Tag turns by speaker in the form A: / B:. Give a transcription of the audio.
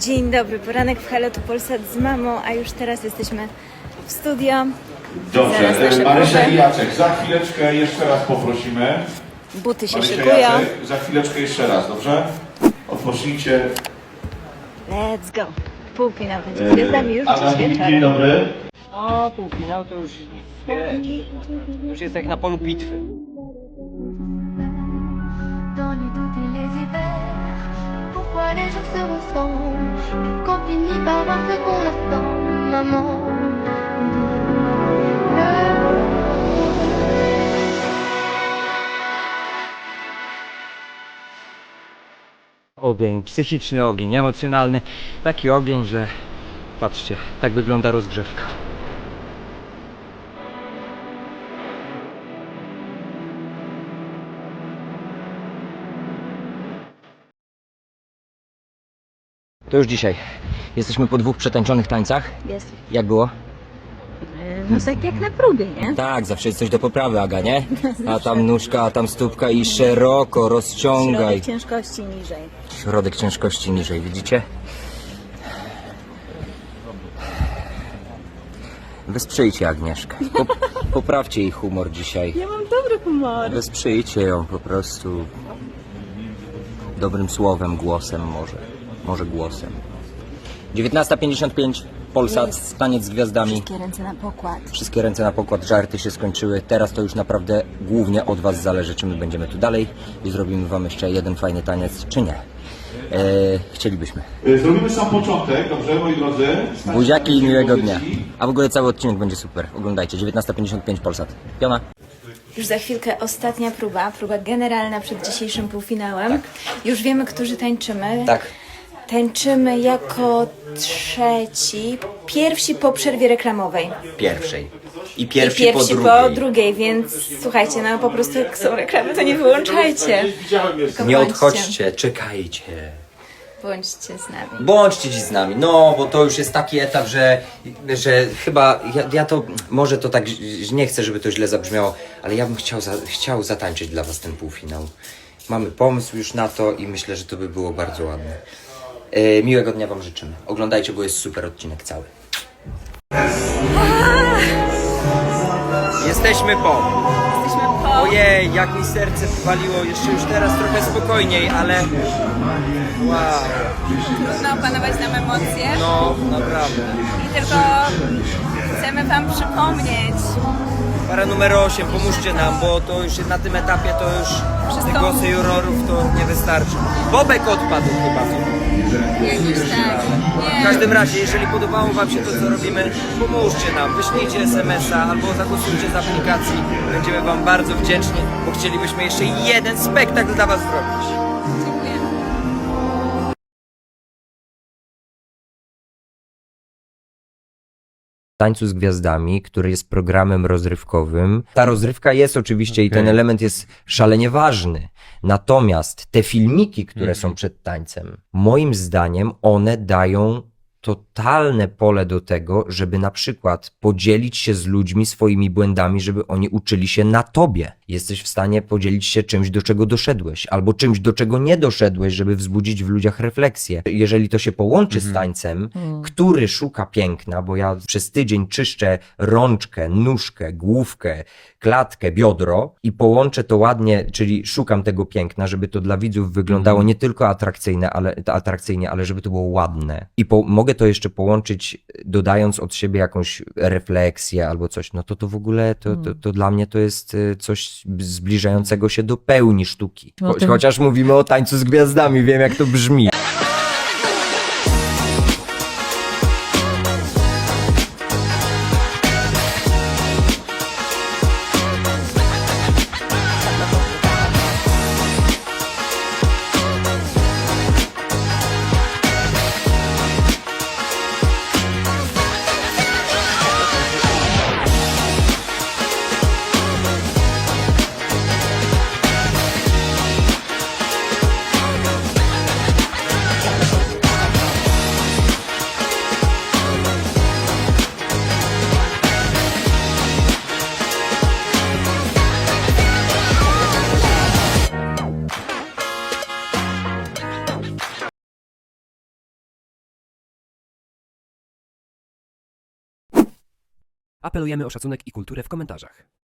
A: Dzień dobry, poranek w Halo, tu Polsat z mamą, a już teraz jesteśmy w studio. Zaraz
B: Dobrze,
A: nasze
B: Marysia
A: próby.
B: i Jacek, za chwileczkę jeszcze raz poprosimy.
A: Buty się
B: Marysia i
A: szykują.
B: Jacek, za chwileczkę jeszcze raz, dobrze? Odpocznijcie.
A: Let's go. Półfinał będzie z gwiazdami już dziś
B: Dzień
A: wieczorem.
B: dobry.
C: O, półfinał to już, wiesz, już jest jak na polu bitwy.
D: Dans les doutes et les hivers, pourquoi les jours se ressemblent quand finit par voir ce qu'on attend, maman.
C: Ogień, psychiczny ogień, emocjonalny. Taki ogień, że patrzcie, tak wygląda rozgrzewka. To już dzisiaj. Jesteśmy po 2 przetańczonych tańcach.
A: Jest.
C: Jak było?
A: No tak jak na próbie, nie?
C: Tak, zawsze jest coś do poprawy, Aga, nie? A tam nóżka, a tam stópka i szeroko rozciągaj.
A: Środek ciężkości niżej.
C: Środek ciężkości niżej, widzicie? Wesprzyjcie Agnieszkę. Poprawcie jej humor dzisiaj.
A: Ja mam dobry humor.
C: Wesprzyjcie ją po prostu dobrym słowem, głosem może. Może głosem. 19:55, Polsat, taniec z gwiazdami.
A: Wszystkie ręce na pokład.
C: Wszystkie ręce na pokład, żarty się skończyły. Teraz to już naprawdę głównie od was zależy, czy my będziemy tu dalej i zrobimy wam jeszcze jeden fajny taniec, czy nie. Chcielibyśmy.
B: Zrobimy sam początek, dobrze, moi drodzy?
C: Buziaki i miłego dnia. A w ogóle cały odcinek będzie super. Oglądajcie, 19:55, Polsat. Piona.
A: Już za chwilkę ostatnia próba generalna przed dzisiejszym półfinałem. Już wiemy, którzy tańczymy.
C: Tak.
A: Tańczymy jako trzeci, pierwsi po przerwie reklamowej.
C: Pierwszej. I
A: I
C: pierwsi,
A: po drugiej, więc słuchajcie, no po prostu jak są reklamy, to nie wyłączajcie. Tylko
C: Nie
A: bądźcie.
C: odchodźcie, czekajcie.
A: Bądźcie z nami.
C: Bądźcie dziś z nami, no bo to już jest taki etap, że chyba ja to, może to tak, nie chcę, żeby to źle zabrzmiało, ale ja bym chciał zatańczyć dla was ten półfinał. Mamy pomysł już na to i myślę, że to by było bardzo ładne. Miłego dnia wam życzymy. Oglądajcie, bo jest super odcinek cały. Jesteśmy po.
A: Jesteśmy po...
C: Ojej, jak mi serce waliło, jeszcze już teraz trochę spokojniej, ale wow,
A: Trudno opanować nam emocje
C: no naprawdę.
A: i tylko chcemy wam przypomnieć.
C: Para numer 8, pomóżcie nam, bo to już na tym etapie to już te głosy jurorów to nie wystarczy. Bobek odpadł chyba.
A: Jakoś tak.
C: W każdym razie, jeżeli podobało wam się to, co robimy, pomóżcie nam, wyślijcie SMS-a albo zagłosujcie z aplikacji. Będziemy wam bardzo wdzięczni, bo chcielibyśmy jeszcze jeden spektakl dla was zrobić. Tańcu z Gwiazdami, który jest programem rozrywkowym. Ta rozrywka jest oczywiście i ten element jest szalenie ważny. Natomiast te filmiki, które są przed tańcem, moim zdaniem one dają totalne pole do tego, żeby na przykład podzielić się z ludźmi swoimi błędami, żeby oni uczyli się na tobie. Jesteś w stanie podzielić się czymś, do czego doszedłeś, albo czymś, do czego nie doszedłeś, żeby wzbudzić w ludziach refleksję. Jeżeli to się połączy z tańcem, który szuka piękna, bo ja przez tydzień czyszczę rączkę, nóżkę, główkę, klatkę, biodro i połączę to ładnie, czyli szukam tego piękna, żeby to dla widzów wyglądało nie tylko atrakcyjnie, ale żeby to było ładne. I mogę to jeszcze połączyć, dodając od siebie jakąś refleksję albo coś, no to w ogóle to dla mnie to jest coś zbliżającego się do pełni sztuki. Chociaż mówimy o tańcu z gwiazdami, wiem jak to brzmi.
E: Apelujemy o szacunek i kulturę w komentarzach.